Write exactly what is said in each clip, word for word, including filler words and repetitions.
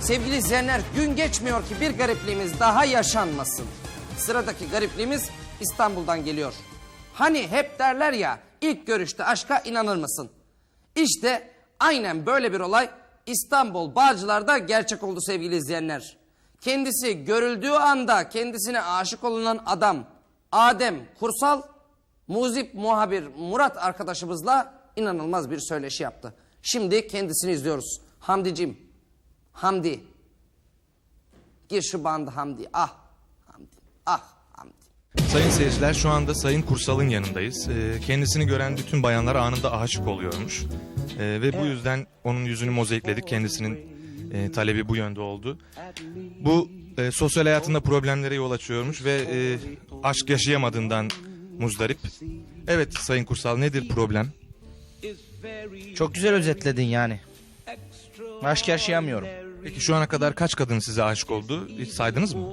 Sevgili izleyenler, gün geçmiyor ki bir garipliğimiz daha yaşanmasın. Sıradaki garipliğimiz İstanbul'dan geliyor. Hani hep derler ya, ilk görüşte aşka inanır mısın? İşte aynen böyle bir olay İstanbul Bağcılar'da gerçek oldu sevgili izleyenler. Kendisi görüldüğü anda kendisine aşık olunan adam Adem Kursal, muzip muhabir Murat arkadaşımızla inanılmaz bir söyleşi yaptı. Şimdi kendisini izliyoruz. Hamdicim, Hamdi. Gir şu bandı Hamdi. Ah Hamdi, ah Hamdi. Sayın seyirciler, şu anda Sayın Kursal'ın yanındayız. Ee, kendisini gören bütün bayanlar anında aşık oluyormuş. Ee, ve bu yüzden onun yüzünü mozaikledik. Kendisinin e, talebi bu yönde oldu. Bu e, sosyal hayatında problemlere yol açıyormuş ve e, aşk yaşayamadığından muzdarip. Evet Sayın Kursal, nedir problem? Çok güzel özetledin yani. Aşk yaşayamıyorum. Peki şu ana kadar kaç kadın size aşık oldu? Hiç saydınız mı?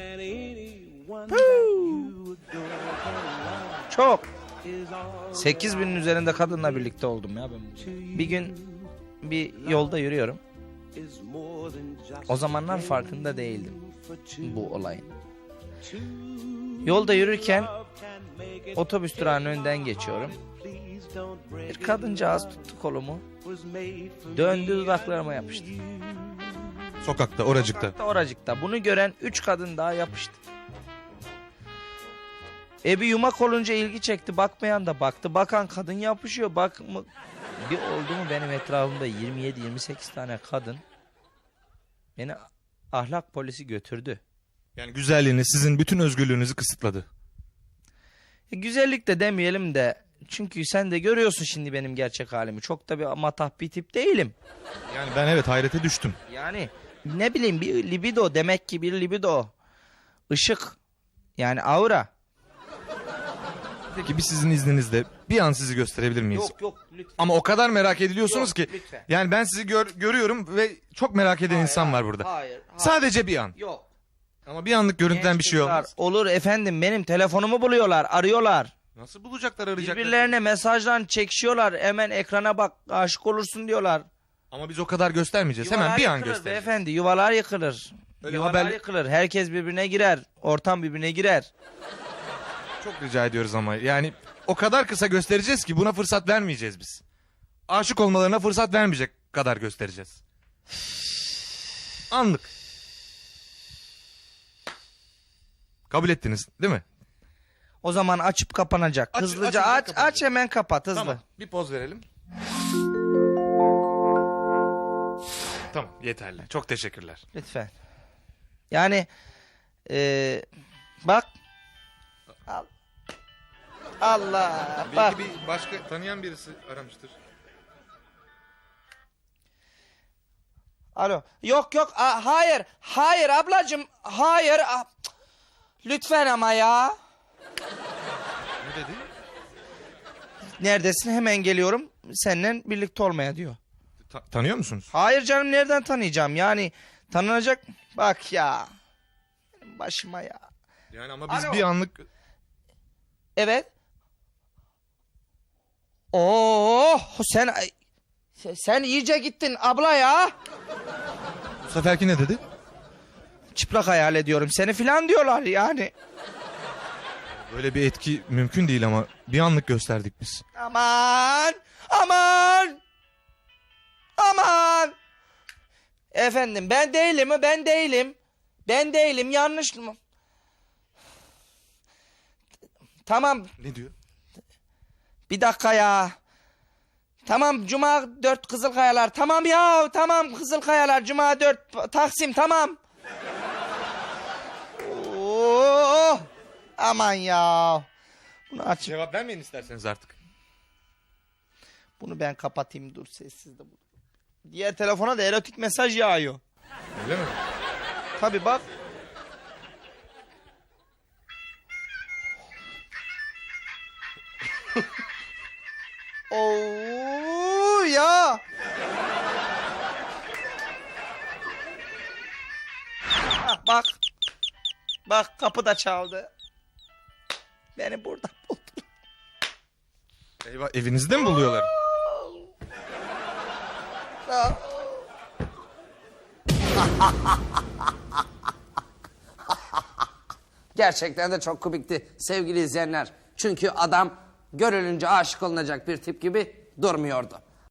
Çok. Sekiz binin üzerinde kadınla birlikte oldum ya ben. Bir gün bir yolda yürüyorum. O zamanlar farkında değildim bu olayın. Yolda yürürken otobüs durağının önünden geçiyorum. Bir kadıncağız tuttu kolumu. Döndü, dudaklarıma yapıştı. Sokakta, oracıkta. Sokakta, oracıkta. Bunu gören üç kadın daha yapıştı. E bir yumak olunca ilgi çekti. Bakmayan da baktı. Bakan kadın yapışıyor. Bak mı? Bir oldu mu benim etrafımda yirmi yedi yirmi sekiz tane kadın beni ahlak polisi götürdü. Yani güzelliğiniz sizin bütün özgürlüğünüzü kısıtladı. E, güzellik de demeyelim de, çünkü sen de görüyorsun şimdi benim gerçek halimi. Çok da bir matah bir tip değilim. Yani ben evet hayrete düştüm. Yani ne bileyim, bir libido, demek ki bir libido. Işık, yani aura. Peki biz sizin izninizle bir an sizi gösterebilir miyiz? Yok yok lütfen. Ama o kadar merak ediliyorsunuz Yok, ki. lütfen. Yani ben sizi gör, görüyorum ve çok merak eden Hayır, insan hayır, var burada. Hayır, hayır. Sadece bir an. Yok. Ama bir anlık görüntüden bir şey Genç olmaz. kızlar, olur efendim, benim telefonumu buluyorlar, arıyorlar. Nasıl bulacaklar, arayacaklar? Birbirlerine mesajdan çekişiyorlar. Hemen ekrana bak, aşık olursun diyorlar. Ama biz o kadar göstermeyeceğiz. Yuvalar Hemen bir an yıkılır göstereceğiz. beyefendi, yuvalar yıkılır. Öyle yuvalar haber- yıkılır. Herkes birbirine girer. Ortam birbirine girer. Çok rica ediyoruz ama. Yani o kadar kısa göstereceğiz ki buna fırsat vermeyeceğiz biz. Aşık olmalarına fırsat vermeyecek kadar göstereceğiz. Anlık. Kabul ettiniz değil mi? O zaman açıp kapanacak. Aç- Hızlıca açınca aç, kapanacak. aç hemen kapat hızlı. Tamam. Bir poz verelim. Tamam, yeterli. Çok teşekkürler. Lütfen. Yani eee bak. Al. Allah. Bak. Belki bir başka tanıyan birisi aramıştır. Alo. Yok yok. A, hayır. Hayır ablacığım. Hayır. A, cık. Lütfen ama ya. Ne dedi? Neredesin? Hemen geliyorum. Seninle birlikte olmaya diyor. Ta- tanıyor musunuz? Hayır canım, nereden tanıyacağım? Yani tanınacak. Bak ya. Benim başıma ya. Yani ama biz Alo. bir anlık... Evet. Oo, sen sen iyice gittin abla ya. Bu seferki ne dedi? Çıplak hayal ediyorum seni filan diyorlar yani. Böyle bir etki mümkün değil ama bir anlık gösterdik biz. Aman, aman, aman. Efendim ben değilim mi? Ben değilim. Ben değilim, yanlış mı? Tamam, Ne diyor? bir dakika ya. Tamam, Cuma dört Kızılkayalar. Tamam ya, tamam Kızılkayalar. Cuma dört Taksim, tamam. Oo, aman ya. Bunu aç. Cevap vermeyin isterseniz artık. Bunu ben kapatayım, dur sessiz de. Diğer telefona da erotik mesaj yağıyor. Öyle mi? Tabii bak. Oo ya. Ah, bak. Bak, kapı da çaldı. Beni burada buldu. Eyvah, evinizde mi buluyorlar? Ah. Gerçekten de çok komikti sevgili izleyenler. Çünkü adam görülünce aşık olunacak bir tip gibi durmuyordu.